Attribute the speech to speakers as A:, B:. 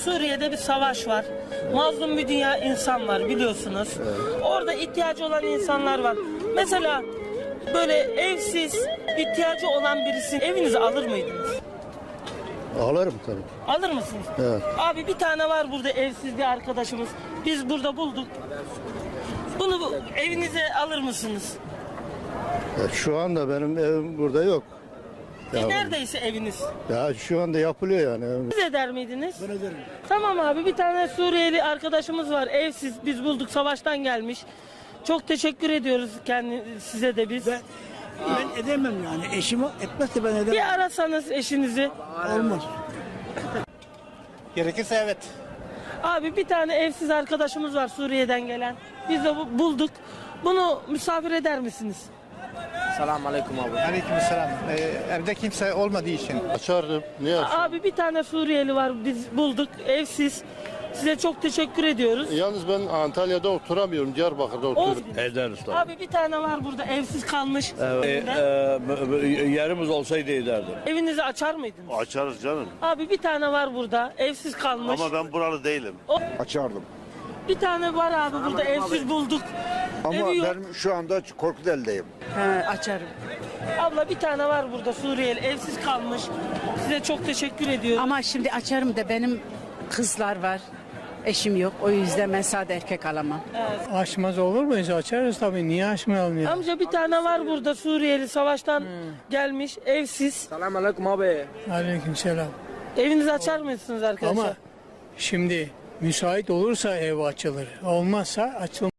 A: Suriye'de bir savaş var. Mazlum bir dünya insan var biliyorsunuz. Orada ihtiyacı olan insanlar var. Mesela böyle evsiz, ihtiyacı olan birisini evinize alır mıydınız?
B: Alırım tabii.
A: Alır mısınız?
B: Evet.
A: Abi bir tane var burada evsiz bir arkadaşımız. Biz burada bulduk. Bunu evinize alır mısınız?
B: Şu anda benim evim burada yok.
A: Neredeyse eviniz.
B: Ya şu anda yapılıyor yani.
A: Siz eder miydiniz?
B: Ben ederim.
A: Tamam abi, bir tane Suriyeli arkadaşımız var. Evsiz, biz bulduk, savaştan gelmiş. Çok teşekkür ediyoruz size de biz.
C: Ben edemem yani. Eşim etmezse ben edemem.
A: Bir arasanız eşinizi.
C: Olmaz.
D: Gerekirse evet.
A: Abi bir tane evsiz arkadaşımız var Suriye'den gelen. Biz de bulduk. Bunu misafir eder misiniz?
E: Selamünaleyküm abi.
D: Aleykümselam. Evde kimse olmadığı için.
B: Açardım. Niye açardım?
A: Abi bir tane Suriyeli var, biz bulduk, evsiz. Size çok teşekkür ediyoruz.
B: Yalnız ben Antalya'da oturamıyorum. Diyarbakır'da oturuyorum.
F: Ederiz tabii.
A: Abi bir tane var burada evsiz kalmış.
F: Yerimiz olsaydı ederdim.
A: Evinizi açar mıydınız?
G: Açarız canım.
A: Abi bir tane var burada evsiz kalmış.
G: Ama ben buralı değilim.
H: Açardım.
A: Bir tane var abi burada evsiz bulduk.
H: Ama
A: Evi yok.
H: ben şu anda Korkuteli'deyim.
I: Açarım.
A: Abla bir tane var burada Suriyeli evsiz kalmış. Size çok teşekkür ediyorum.
I: Ama şimdi açarım da benim kızlar var. Eşim yok. O yüzden ben sade erkek alamam.
C: Açmaz olur muyuz? Açarız tabii. Niye açmayalım ya?
A: Amca bir tane var burada Suriyeli savaştan gelmiş evsiz.
E: Selamünaleyküm abi.
C: Aleykümselam.
A: Evinizi açar mısınız arkadaşlar?
C: Ama şimdi müsait olursa ev açılır. Olmazsa açılmaz.